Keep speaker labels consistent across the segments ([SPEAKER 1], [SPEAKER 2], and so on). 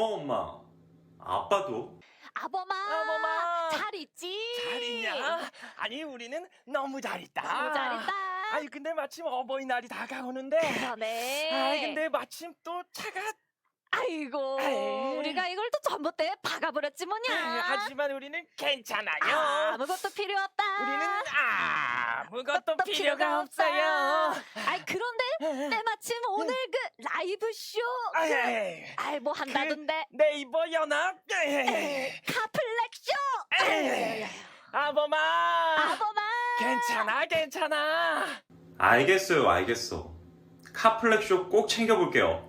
[SPEAKER 1] 엄마. 아빠도?
[SPEAKER 2] 아범아, 잘 있지?
[SPEAKER 3] 잘 있냐? 아니 우리는 너무 잘 있다.
[SPEAKER 2] 너무 잘 있다.
[SPEAKER 3] 아니 근데 마침 어버이날이 다가오는데.
[SPEAKER 2] 그러네.
[SPEAKER 3] 아이 근데 마침 또 차가.
[SPEAKER 2] 아이고,
[SPEAKER 3] 에이.
[SPEAKER 2] 우리가 이걸 또 전봇대에 박아버렸지 뭐냐.
[SPEAKER 3] 하지만 우리는 괜찮아요.
[SPEAKER 2] 아무것도 필요 없다.
[SPEAKER 3] 우리는 아무것도
[SPEAKER 2] 또
[SPEAKER 3] 필요가 없어요.
[SPEAKER 2] 아이, 그런데 때마침 오늘 그 라이브 쇼 뭐 한다던데.
[SPEAKER 3] 네이버 연합
[SPEAKER 2] 카플렉 쇼.
[SPEAKER 3] 아범아
[SPEAKER 2] 아범아.
[SPEAKER 3] 괜찮아.
[SPEAKER 1] 알겠어요, 알겠어. 카플렉쇼 꼭 챙겨볼게요.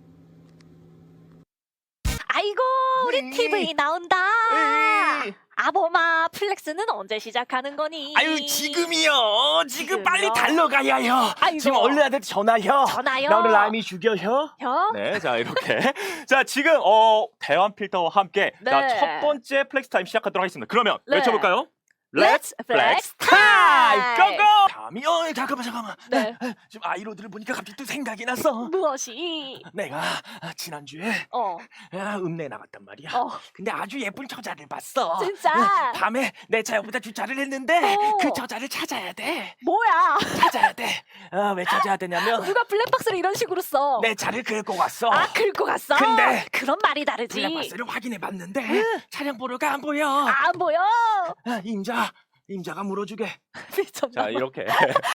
[SPEAKER 2] 아이고, 우리 TV 나온다. 아범아, 플렉스는 언제 시작하는 거니?
[SPEAKER 3] 아유 지금이요. 지금 빨리
[SPEAKER 2] 지금요?
[SPEAKER 3] 달려가야요.
[SPEAKER 2] 아이고.
[SPEAKER 3] 지금 얼른한테 전화요.
[SPEAKER 2] 전화요?
[SPEAKER 3] 나 오늘 라임이 죽여요.
[SPEAKER 2] 형?
[SPEAKER 4] 네, 자 이렇게 자 지금 대환 필터와 함께
[SPEAKER 2] 네.
[SPEAKER 4] 자 첫 번째 플렉스 타임 시작하도록 하겠습니다. 그러면
[SPEAKER 2] 네.
[SPEAKER 4] 외쳐볼까요?
[SPEAKER 2] Let's flex time!
[SPEAKER 4] 고고!
[SPEAKER 3] 다음이 잠깐만.
[SPEAKER 2] 네.
[SPEAKER 3] 지금 아이로드를 보니까 갑자기 또 생각이 났어.
[SPEAKER 2] 무엇이?
[SPEAKER 3] 내가 지난주에 읍내 나갔단 말이야. 근데 아주 예쁜 처자를 봤어.
[SPEAKER 2] 진짜?
[SPEAKER 3] 밤에 내 차 옆에다 주차를 했는데
[SPEAKER 2] 어.
[SPEAKER 3] 그 처자를 찾아야 돼.
[SPEAKER 2] 뭐야?
[SPEAKER 3] 찾아야 돼. 왜 찾아야 되냐면
[SPEAKER 2] 누가 블랙박스를 이런 식으로 써?
[SPEAKER 3] 내 차를 긁고 갔어.
[SPEAKER 2] 아, 긁고 갔어?
[SPEAKER 3] 근데
[SPEAKER 2] 그런 말이 다르지.
[SPEAKER 3] 블랙박스를 확인해 봤는데 차량 번호가 안 보여.
[SPEAKER 2] 안 보여.
[SPEAKER 3] 임자가 물어주게.
[SPEAKER 2] 미쳤나
[SPEAKER 4] 자
[SPEAKER 2] 봐.
[SPEAKER 4] 이렇게